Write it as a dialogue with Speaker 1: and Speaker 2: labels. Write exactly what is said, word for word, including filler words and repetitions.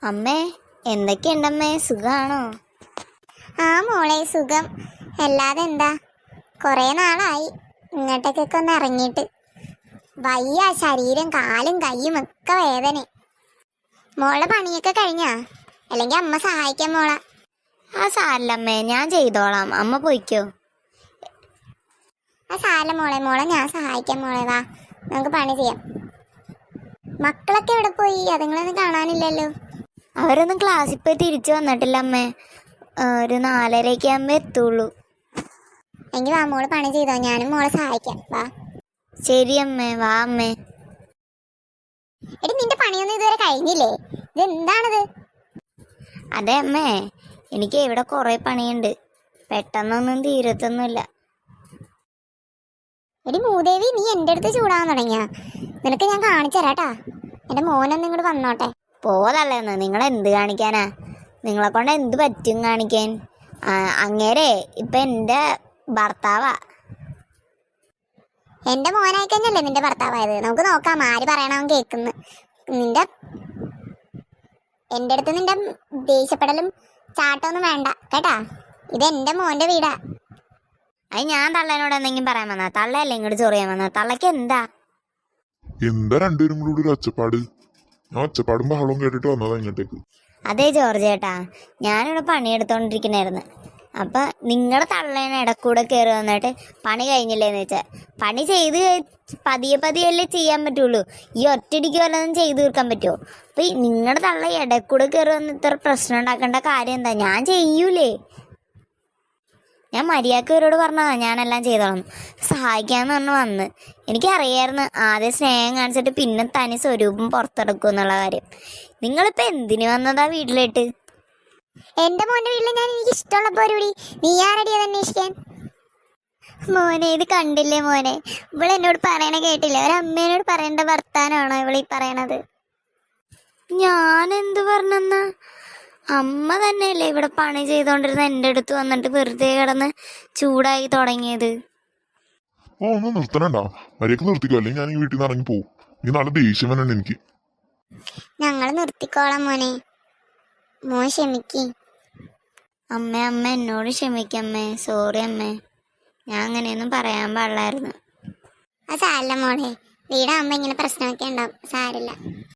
Speaker 1: അമ്മേ, എന്തൊക്കെയുണ്ടമ്മേ, സുഖാണോ?
Speaker 2: ആ മോളെ, സുഖം. അല്ലാതെ എന്താ, കുറേ നാളായി ഇങ്ങോട്ടേക്കൊക്കെ ഒന്ന് ഇറങ്ങിയിട്ട്. വയ്യ, ശരീരം, കാലും കയ്യും ഒക്കെ വേദന. മോളുടെ പണിയൊക്കെ കഴിഞ്ഞാ? അല്ലെങ്കിൽ അമ്മ സഹായിക്കാം മോളെ.
Speaker 1: ആ സാരല്ലമ്മേ, ഞാൻ ചെയ്തോളാം, അമ്മ പോയിക്കോ.
Speaker 2: ആ സാരല്ല മോളെ, മോളെ ഞാൻ സഹായിക്കാം മോളെ. വാ, നമുക്ക് പണി ചെയ്യാം. മക്കളൊക്കെ എവിടെ പോയി? അതുങ്ങളൊന്നും കാണാനില്ലല്ലോ.
Speaker 1: അവരൊന്നും ക്ലാസ്സിൽ പോയി തിരിച്ചു വന്നിട്ടില്ല അമ്മേ. ഒരു നാലരയൊക്കെ ആകുമ്പോ എത്തുള്ളൂ.
Speaker 2: എങ്കിൽ വാ മോള് പണി ചെയ്തോ, ഞാനും മോളെ സഹായിക്കാം. വാ.
Speaker 1: ശരി അമ്മേ, വാ അമ്മേ.
Speaker 2: എടി, നിന്റെ പണിയൊന്നും ഇതുവരെ കഴിഞ്ഞില്ലേ? ഇത് എന്താണിത്?
Speaker 1: അതെ അമ്മേ, എനിക്ക് ഇവിടെ കുറെ പണിയുണ്ട്, പെട്ടെന്നൊന്നും തീരത്തൊന്നുമില്ല.
Speaker 2: എടി മൂദേവി, നീ എൻ്റെ അടുത്ത് ചൂടാകാൻ തുടങ്ങിയ? നിനക്ക് ഞാൻ കാണിച്ചു തരാട്ടാ. എൻ്റെ മോനൊന്നും ഇങ്ങോട്ട് വന്നോട്ടെ.
Speaker 1: പോതല്ലേന്ന്, നിങ്ങൾ എന്ത് കാണിക്കാനാ? നിങ്ങളെ കൊണ്ട് എന്ത് പറ്റും കാണിക്കാൻ? അങ്ങേരെ ഇപ്പൊ എൻ്റെ ഭർത്താവാ.
Speaker 2: എൻ്റെ മോനായി കഴിഞ്ഞല്ലേ നിന്റെ ഭർത്താവായത്? നമുക്ക് നോക്കാം ആര് പറയണവൻ കേൾക്കുന്നു. നിന്റെ എൻ്റെ അടുത്ത് നിന്റെ ദേഷ്യപ്പെടലും ചാട്ടമൊന്നും വേണ്ട കേട്ടാ. ഇത് എൻ്റെ മോൻ്റെ വീടാ.
Speaker 1: അത് ഞാൻ തള്ളേനോട് എന്തെങ്കിലും പറയാൻ വന്നാ? തള്ളയല്ലേ ഇങ്ങോട്ട് ചൊറിയാൻ വന്നാ? തള്ളക്ക് എന്താ
Speaker 3: എന്താ രണ്ടുപേരും കൂടി ഒരു ഒച്ചപ്പാട്? ഞാൻ ഒച്ചപ്പാടും ബഹളവും കേട്ടിട്ട് വന്നതാ ഇങ്ങോട്ടേക്ക്.
Speaker 1: അതെ ജോർജ് ചേട്ടാ, ഞാനിവിടെ പണിയെടുത്തോണ്ടിരിക്കണായിരുന്നു. അപ്പൊ നിങ്ങളുടെ തള്ളേനെ ഇടക്കൂടെ കയറി വന്നിട്ട് പണി കഴിഞ്ഞില്ലേന്ന് വെച്ചാൽ, പണി ചെയ്ത് പതിയെ പതിയല്ലേ ചെയ്യാൻ പറ്റുള്ളൂ. ഈ ഒറ്റടിക്ക് വല്ലതും ചെയ്തു തീർക്കാൻ പറ്റുമോ? അപ്പൊ നിങ്ങളുടെ തള്ള ഇടക്കൂടെ കയറി വന്ന് ഇത്ര പ്രശ്നം ഉണ്ടാക്കേണ്ട കാര്യം എന്താ? ഞാൻ ചെയ്യൂലേ. ഞാൻ മര്യാദക്ക് ഇവരോട് പറഞ്ഞതാ ഞാനെല്ലാം ചെയ്തോളാം, സഹായിക്കാന്ന് പറഞ്ഞു വന്ന്. എനിക്കറിയായിരുന്നു ആദ്യം സ്നേഹം കാണിച്ചിട്ട് പിന്നെ തനി സ്വരൂപം പുറത്തെടുക്കും എന്നുള്ള കാര്യം. നിങ്ങളിപ്പോ എന്തിനു വന്നതാ വീട്ടിലിട്ട്?
Speaker 2: എൻ്റെ മോൻ്റെ വീട്ടിൽ ഞാൻ എനിക്ക് ഇഷ്ടമുള്ള പരിപാടി. നീ ആരടി അത് അന്വേഷിക്കാൻ? മോനെ, ഇത് കണ്ടില്ലേ മോനെ? ഇവള് എന്നോട് പറയണ കേട്ടില്ലേ? ഒരമ്മേനോട് പറയേണ്ട വർത്താനാണോ ഇവളീ പറയണത്?
Speaker 1: ഞാൻ എന്ത് പറഞ്ഞെന്നാ? അമ്മ തന്നെയല്ലേ ഇവിടെ പണി ചെയ്തോണ്ടിരുന്ന എൻ്റെ അടുത്ത് വന്നിട്ട് വെറുതെ കിടന്ന് ചൂടായി തുടങ്ങിയത്.
Speaker 3: ഓ, ഒന്ന് നിർത്തണണ്ടാ, മര്യാദക്ക് നിർത്തിക്കോ, അല്ലെങ്കിൽ ഞാൻ ഈ വീട്ടിൽ നിന്ന് ഇറങ്ങി പോകും. നീ നല്ല ദേഷ്യം വരണ്ട എനിക്ക്.
Speaker 2: ഞങ്ങൾ നിർത്തിക്കോളാം മോനെ, മോൻ ക്ഷമിക്ക്.
Speaker 1: അമ്മ അമ്മ എന്നോട് ക്ഷമിക്കമ്മേ, സോറി അമ്മേ, ഞാൻ അങ്ങനെയൊന്നും പറയാൻ പാടില്ലായിരുന്നു.
Speaker 2: അത് സാരില്ല മോളെ, വീടാകുമ്പോ ഇങ്ങനെ പ്രശ്നമൊക്കെ ഉണ്ടാവും, സാരില്ല.